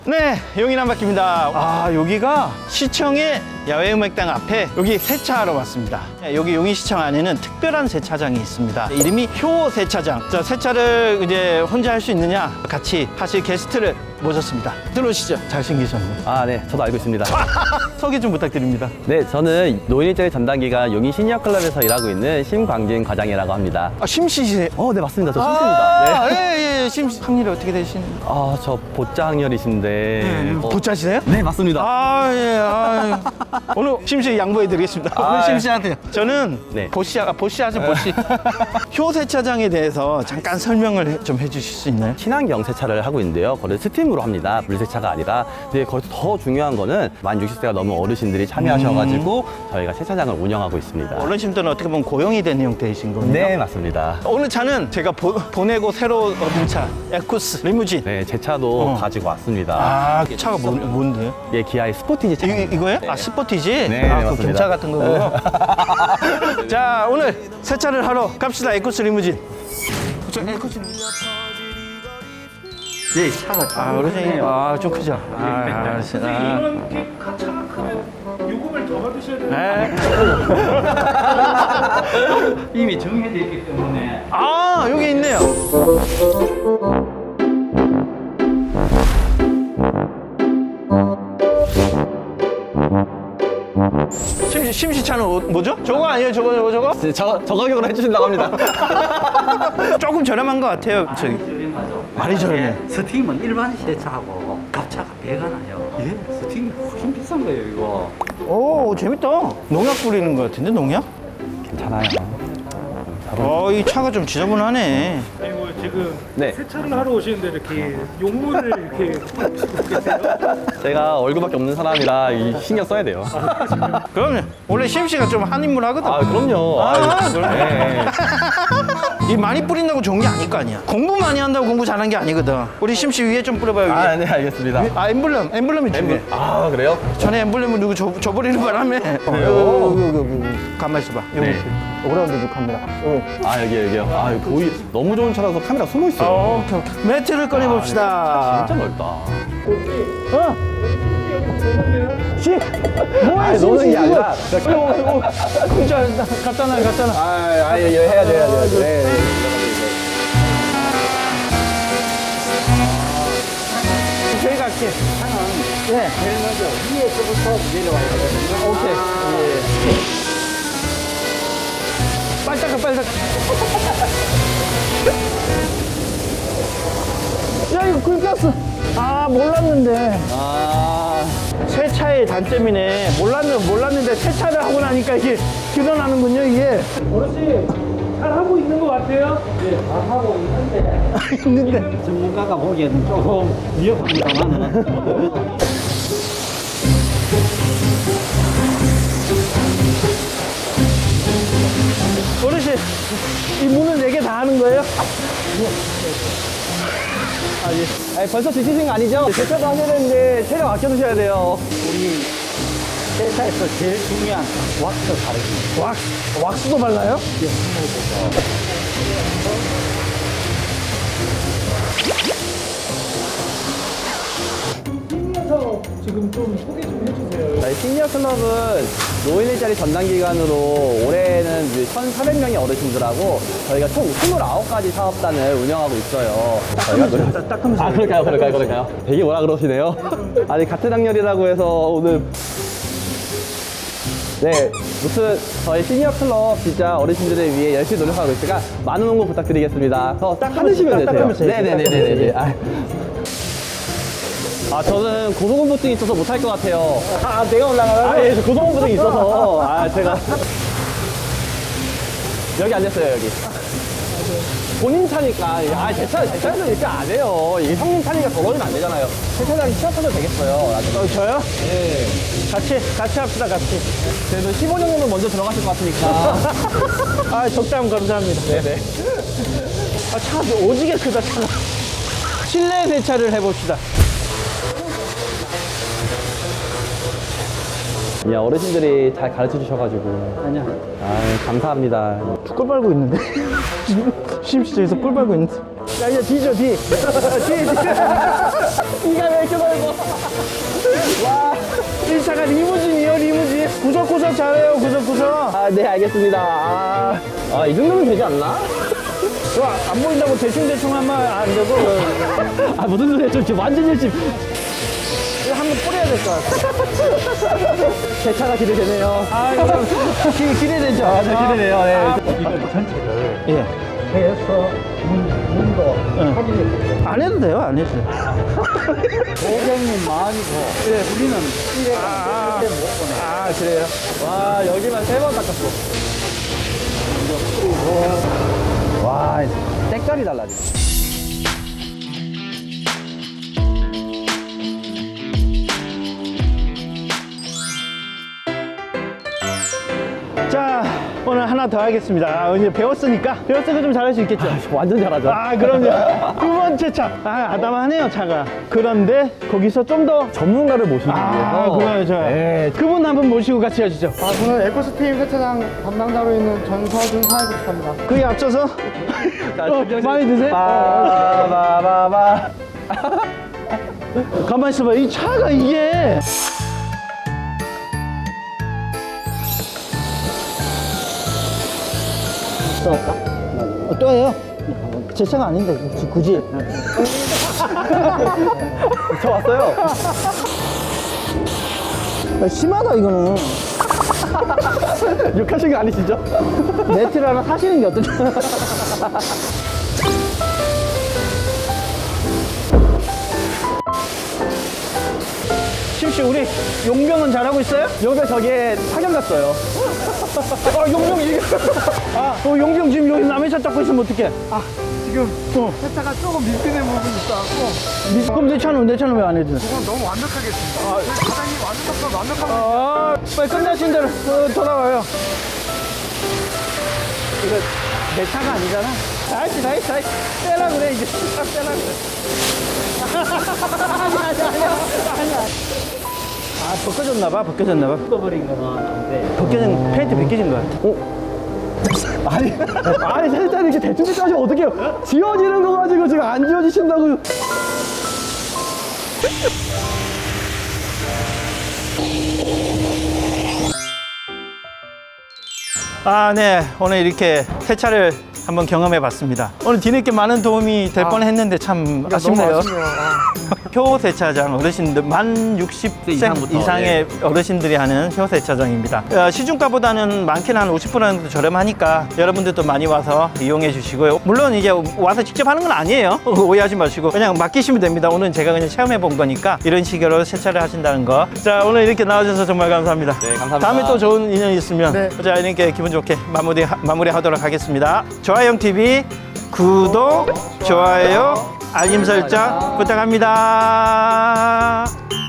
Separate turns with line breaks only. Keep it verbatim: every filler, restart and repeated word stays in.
네, 용인 한바퀴입니다. 아, 여기가 시청의 야외음악당 앞에 여기 세차하러 왔습니다. 여기 용인시청 안에는 특별한 세차장이 있습니다. 이름이 효 세차장. 자, 세차를 이제 혼자 할 수 있느냐? 같이 하실 게스트를 모셨습니다. 들어오시죠. 잘생기셨네.
아, 네. 저도 알고 있습니다.
소개 좀 부탁드립니다.
네, 저는 노인 일자리 전담기관 용인 시니어클럽에서 일하고 있는 심광진 과장이라고 합니다.
아, 심씨세요?
어, 네, 맞습니다. 저 심씨입니다. 네.
아, 예, 예, 심씨. 학년이 어떻게 되시는?
아, 저 보자 학년이신데. 어,
보짜시세요?
네, 맞습니다.
아, 예, 아, 오늘 심씨 양보해드리겠습니다.
아,
오늘
예.
심씨한테요. 저는
네.
보씨, 아, 보씨 하죠, 보씨. 효 세차장에 대해서 잠깐 설명을 해- 좀 해주실 수 있나요?
친환경 세차를 하고 있는데요. 거를 스팀으로 합니다. 물세차가 아니라. 근데 거기서 더 중요한 거는 만 육십 세가 넘은 어르신들이 참여하셔가지고 저희가 세차장을 운영하고 있습니다.
어르신들은 어떻게 보면 고용이 되는 형태이신 거네요.
네, 맞습니다.
오늘 차는 제가 보, 보내고 새로 얻은 차, 에쿠스 리무진.
네, 제 차도
어.
가지고 왔습니다.
아, 차가 뭐, 뭔데요?
예, 기아의 스포티지 차.
이, 이거예요? 아, 스포티지?
네,
아, 그
맞습니다.
경차 같은 거고요. 자, 오늘 세차를 하러 갑시다. 에쿠스 리무진. 저 에쿠스 리무진.
예, 차가
아, 어르신이, 아, 좀 크죠? 아, 알았어요. 아.
이런 게 차가 크면 요금을 더 받으셔야 되는
네.
이미 정해져 있기 때문에
아, 여기 있네요. 심시, 심시차는 어- 뭐죠? 저거 아니에요? 저거, 저거, 저거?
저, 저 가격으로 해주신다고 합니다.
조금 저렴한 것 같아요. 저기.
저렴하죠.
많이 저렴해.
스팀은 일반 세차하고 값차가 배가 나요. 예, 스팀이 훨씬 비싼 거예요, 이거.
오, 재밌다. 농약 뿌리는 것 같은데, 농약?
괜찮아요.
어, 이 차가 좀 지저분하네.
아이고 지금
네.
세차를 하러 오시는데 이렇게 용문을 이렇게 붙이고 계세요?
제가 얼굴밖에 없는 사람이라 이 신경 써야 돼요.
그럼요. 원래 심씨가 좀 한 인물 하거든.
아, 그럼요.
아,
아유,
그럼요.
네.
이 많이 뿌린다고 좋은 게 아닐 거 아니야. 공부 많이 한다고 공부 잘한 게 아니거든. 우리 심씨 위에 좀 뿌려봐요. 위에.
아, 네, 알겠습니다.
아, 엠블럼, 엠블럼이 중요해.
아, 그래요?
전에 엠블럼을 누구 줘, 줘버리는 바람에. 어, 여기, 여기, 여기, 여기. 가만히 있어봐. 여기.
네.
오라운드 그 카메라. 여기.
아, 여기, 여기요. 아, 여기 거의 너무 좋은 차라서 카메라 숨어 있어요.
어, 오케이, 오케이. 매트를 꺼내봅시다.
진짜 넓다.
어? 씨! 뭐야,
아니, 노는 게 아니라.
진짜, 갔잖아, 갔잖아.
아, 아, 예, 예, 해야 돼, 해야 돼. 네, 네.
저희가 할게. 네.
제일 먼저 위에서부터 내려와야 되거든요.
오케이. 예. 빨리 닦아, 빨리 닦아. 야, 이거 긁혔어. 아, 몰랐는데.
아,
세차의 단점이네. 몰랐는, 몰랐는데 세차를 하고 나니까 이게 드러나는군요, 이게.
어르신 잘 하고 있는 것 같아요?
예, 다 하고 있는데
있는데.
전문가가 보기에는 조금 위험합니다만
어르신, 이 문을 네 개 다 하는 거예요? 아, 예.
아니, 벌써 지치신 거 아니죠? 세차도 하셔야 되는데 체력 아껴두셔야 돼요.
우리 세차에서 제일 중요한 왁스 바르기.
왁스, 왁스도 발라요?
팀에서 지금 좀 소개 좀 해주세요.
저희 시니어 클럽은 노인 일자리 전담 기관으로 올해는 이제 천사백 명의 어르신들하고 저희가 총 이십구 가지 사업단을 운영하고 있어요. 저희가 노래... 아, 그럴까요? 그럴까요? 그럴까요? 되게 뭐라 그러시네요. 아니, 같은 학년이라고 해서 오늘 네, 무튼 저희 시니어 클럽 진짜 어르신들을 위해 열심히 노력하고 있으니까 많은 응원 부탁드리겠습니다. 더 딱 하시면 되세요.
닦으면서 해야지,
네네네네네. 아, 아, 저는 고소공포증이 있어서 못할 것 같아요.
아, 내가 올라가라고?
아, 예, 저 고소공포증이 있어서. 아, 제가. 여기 앉았어요, 여기. 본인 차니까. 아, 제 차, 제 차에서 이렇게 안 해요. 이게 형님 차니까 더러우면 안 되잖아요. 제 차장이 취업하셔도 되겠어요. 나중에.
어, 저요?
네.
같이, 같이 합시다, 같이.
그래도 십오 년 정도 먼저 들어가실 것 같으니까.
아, 적당 감사합니다.
네네.
아, 차가 오지게 크다, 차가. 실내 세차를 해봅시다.
야, 어르신들이 잘 가르쳐 주셔가지고.
아니야.
아, 감사합니다.
꿀 빨고 있는데? 심시저에서 꿀 빨고 있는데? 야, 이제 뒤죠, 뒤. 뒤, 뒤.
이가 왜 이렇게 넓어?
와, 이 차가 리무진이요, 리무진. 구석구석 잘해요, 구석구석.
아, 네, 알겠습니다. 아, 아, 이 정도면 되지 않나?
와, 안 보인다고 대충대충 하면 안 되고.
아, 무슨 소리야. 저 지금 완전 열심히.
이거 한번 뿌려야 될 것 같아.
제 차가 기대되네요.
아, 이거 기, 기대되죠?
아, 저 기대돼요. 네.
아,
이걸 전체를
예.
해서 문, 문도
응.
확인해
안 해도 돼요, 안 해도 돼요.
고객님 마음이고 우리는 일에
아,
못 보내.
아, 그래요?
와, 여기만 세 번 닦았어. 와, 색깔이 달라지네.
자, 오늘 하나 더 하겠습니다. 아, 이제 배웠으니까. 배웠으니까 좀 잘할 수 있겠죠?
완전 잘하죠.
아, 그럼요. 두 번째 차. 아, 아담하네요, 차가. 그런데 거기서 좀 더.
전문가를 모시기
아,
위해서.
그래요, 저.
네.
그분 한 분 모시고 같이 하시죠.
아, 저는 에코스팀 세차장 담당자로 있는 전서준 사회복지사입니다.
그게 앞서서. 어, 많이 드세요?
바바바바.
가만히 있어봐. 이 차가 이게. 어, 또 해요? 제 차가 아닌데, 굳이.
저 왔어요.
야, 심하다, 이거는.
욕하신 거 아니시죠?
네트를 하나 사시는 게 어떠죠? 심씨, 우리 용병은 잘하고 있어요?
여기 저기에 파견 갔어요.
아, 용병, 이게. 아, 어, 용병 지금 여기 남의 차 잡고 있으면 어떡해?
아, 지금
어.
세차가 조금 밀리는 부분이 있어갖고
그럼 내 차는, 내 차는 왜 안 해줘?
그건 너무 완벽하겠습니다. 아, 사장님 완벽하고 완벽하고
아, 빨리 끝나신 대로 어, 돌아와요. 이거 내 차가 아니잖아. 다시, 다시, 다시. 떼라 그래, 이제. 딱 떼라 그래. 아니야, 아니야, 아니야. 아니야. 아, 벗겨졌나봐, 벗겨졌나봐.
뜯어버린 거는 안 돼.
벗겨진, 페인트 벗겨진 거 같아. 어?
아니, 아니, 세차를 이렇게 대충대충 하시면 어떡해요? 지워지는 거 가지고 지금 안 지워지신다고.
아, 네. 오늘 이렇게 세차를 한번 경험해 봤습니다. 오늘 뒤늦게 많은 도움이 될 뻔 했는데 참 아쉽네요.
너무 아쉽네요. 아.
효 세차장 어르신들 만 육십 세
이상부터,
이상의 어르신들이 하는 효 세차장입니다. 어, 시중가보다는 많게는 한 오십 퍼센트 정도 저렴하니까 여러분들도 많이 와서 이용해 주시고요. 물론 이제 와서 직접 하는 건 아니에요. 오해하지 마시고 그냥 맡기시면 됩니다. 오늘은 제가 그냥 체험해 본 거니까 이런 식으로 세차를 하신다는 거. 자, 오늘 이렇게 나와주셔서 정말 감사합니다.
네, 감사합니다.
다음에 또 좋은 인연이 있으면
네.
자, 이렇게 기분 좋게 마무리 마무리하도록 하겠습니다. 조아영 티비 구독, 좋아요, 알림 설정 부탁합니다.